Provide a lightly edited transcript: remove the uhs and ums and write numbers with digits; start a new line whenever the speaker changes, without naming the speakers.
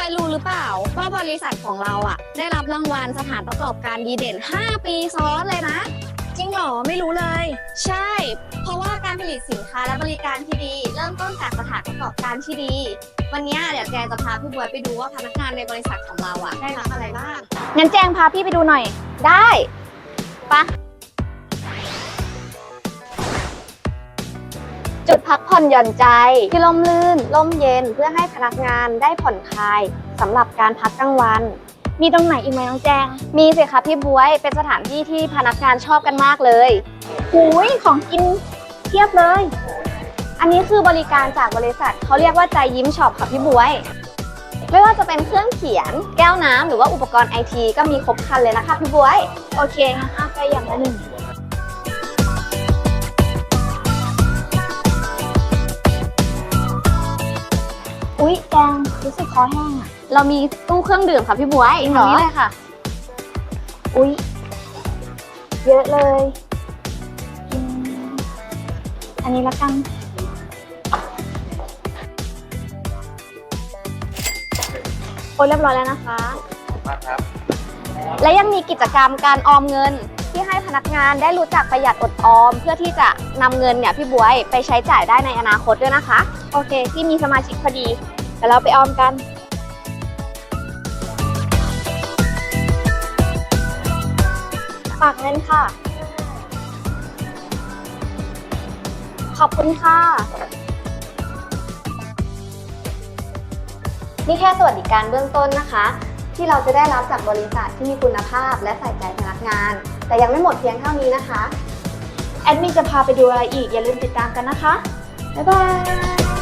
วยรู้หรือเปล่าว่าบริษัทของเราอ่ะได้รับรางวัลสถานประกอบการดีเด่น5 ปีซ้อนเลยนะจริงเหรอไม่รู้เลยใช่เพราะว่าการผลิตสินค้าและบริการที่ดีเริ่มต้นจากสถานประกอบการที่ดีวันนี้เดี๋ยวแจงจะพาพี่บวยไปดูว่าพนักงานในบริษัทของเราอ่ะได้รับอะไรบ้างงั้นแจงพาพี่ไปดูหน่อยได้ปะจุดพักผ่อนหย่อนใจที่ร่มรื่นร่มเย็นเพื่อให้พนักงานได้ผ่อนคลายสำหรับการพักกลางวันมีตรงไหนอีกไหมน้องแจงมีสิคะพี่บ๊วยเป็นสถานที่ที่พนักงานชอบกันมากเลยหูยของกินเทียบเลยอันนี้คือบริการจากบริษัทเขาเรียกว่าใจยิ้มช็อปค่ะพี่บ๊วยไม่ว่าจะเป็นเครื่องเขียนแก้วน้ำหรือว่าอุปกรณ์ไอทีก็มีครบครันเลยนะคะพี่บ๊วยโอเคงั้นเอาไปอย่างละหนึ่งอุ๊ยแจงรู้สึกคอแห้งอ่ะเรามีตู้เครื่องดื่มค่ะพี่บ๊วยทางนี้เลยค่ะอุ๊ยเยอะเลยอันนี้ละกันโอ้ยเรียบร้อยแล้วนะคะครับและยังมีกิจกรรมการออมเงินที่ให้พนักงานได้รู้จักประหยัดอดออมเพื่อที่จะนำเงินเนี่ยพี่บ๊วยไปใช้จ่ายได้ในอนาคตด้วยนะคะโอเคที่มีสมาชิกพอดีเดี๋ยวเราไปออมกันฝากเงินค่ะขอบคุณค่ะนี่แค่สวัสดิการเบื้องต้นนะคะที่เราจะได้รับจากบริษัทที่มีคุณภาพและใส่ใจพนักงานแต่ยังไม่หมดเพียงเท่านี้นะคะแอดมินจะพาไปดูอะไรอีกอย่าลืมติดตามกันนะคะบ๊ายบาย